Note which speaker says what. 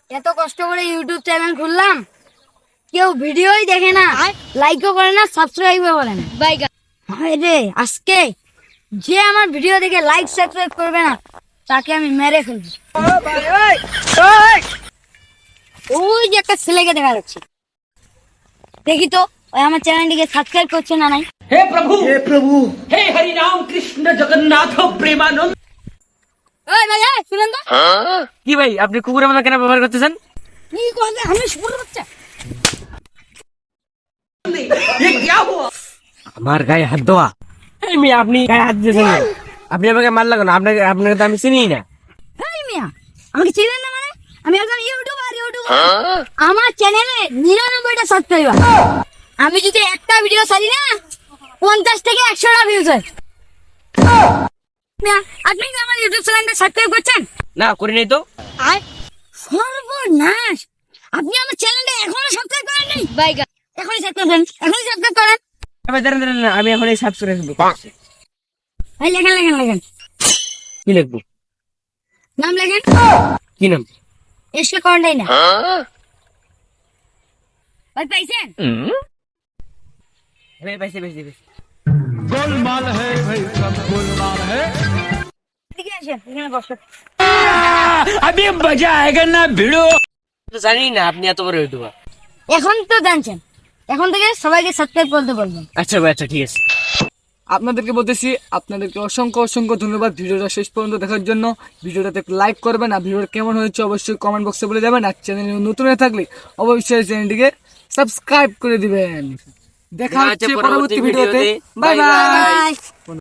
Speaker 1: এত কষ্ট করে ইউটিউব চ্যানেল খুললাম, কেউ ভিডিওই দেখে না, লাইকও করে না, সাবস্ক্রাইবও করে না। রে আজকে যে আমার ভিডিও দেখে লাইক সাবস্ক্রাইব করবে না তাকে আমি মেরে ফেলবো। ওই যে একটা ছেলেকে দেখা যাচ্ছে, দেখি তো ওই আমার চ্যানেলটিকে সাবস্ক্রাইব করছে না নাই।
Speaker 2: हे प्रभु हे हरि राम कृष्ण जगन्नाथ प्रेमानंद।
Speaker 1: ওই ভাই শুনেন তো,
Speaker 3: কি ভাই, আপনি কুকুরের মতো কেন ব্যবহার করতেছেন?
Speaker 1: কি করবে আমি শুনতে পাচ্ছি।
Speaker 2: ये क्या हुआ?
Speaker 3: আমার গায়ে হাত দেওয়া? আপনি গায়ে হাত দিয়েছেন কেন? আপনি আমাকে মারলা কেন? আপনাকে তো আমি চিনি না।
Speaker 1: এই মিয়া, আমাকে চিনেন না মানে? আমি একজন ইউটিউবার। আমার চ্যানেলে 99টা সাবস্ক্রাইবার। আমি যদি একটা ভিডিও ছাড়ি না 50 থেকে 100টা ভিউজ হয়। মিয়া, আপনি কি আমার ইউটিউব চ্যানেলটা সাবস্ক্রাইব করছেন?
Speaker 3: না, করি নাই তো।
Speaker 1: সর্বনাশ, আপনি আমার চ্যানেলটা এখনো সাবস্ক্রাইব করেন নাই? এখনই সাবস্ক্রাইব করেন, এখনই সাবস্ক্রাইব করেন।
Speaker 3: দাঁড়ান, আমি এখন এই সাবস্ক্রাইব করছি।
Speaker 1: ভাই লেখেন।
Speaker 3: কি লিখবো?
Speaker 1: নাম লেখেন।
Speaker 3: কি নাম?
Speaker 1: এসে করেন না ভাই, পাইছেন?
Speaker 3: পাইছি।
Speaker 4: गोलमाल है भाई, सब गोलमाल है।
Speaker 1: এদিকে আসেন, এখানে বসেন।
Speaker 2: अभी मजा आएगा ना भिड़ो।
Speaker 3: তো জানি না আপনি এত বড় ইউটিউবার।
Speaker 1: এখন তো জানছেন, এখন থেকে সবাইকে সাবস্ক্রাইব করতে বলবেন।
Speaker 3: আচ্ছা ভাই, আচ্ছা ঠিক আছে।
Speaker 4: আপনাদেরকে বলতেছি, আপনাদেরকে অসংখ্য ধন্যবাদ ভিডিওটা শেষ পর্যন্ত দেখার জন্য। ভিডিওটাতে লাইক করবেন, আর ভিডিওটা কেমন হয়েছে অবশ্যই কমেন্ট বক্সে বলে যাবেন। আর চ্যানেলে নতুন হয়ে থাকলে অবশ্যই চ্যানেলটিকে সাবস্ক্রাইব করে দিবেন। দেখা হচ্ছে পরবর্তী ভিডিওতে। Bye by.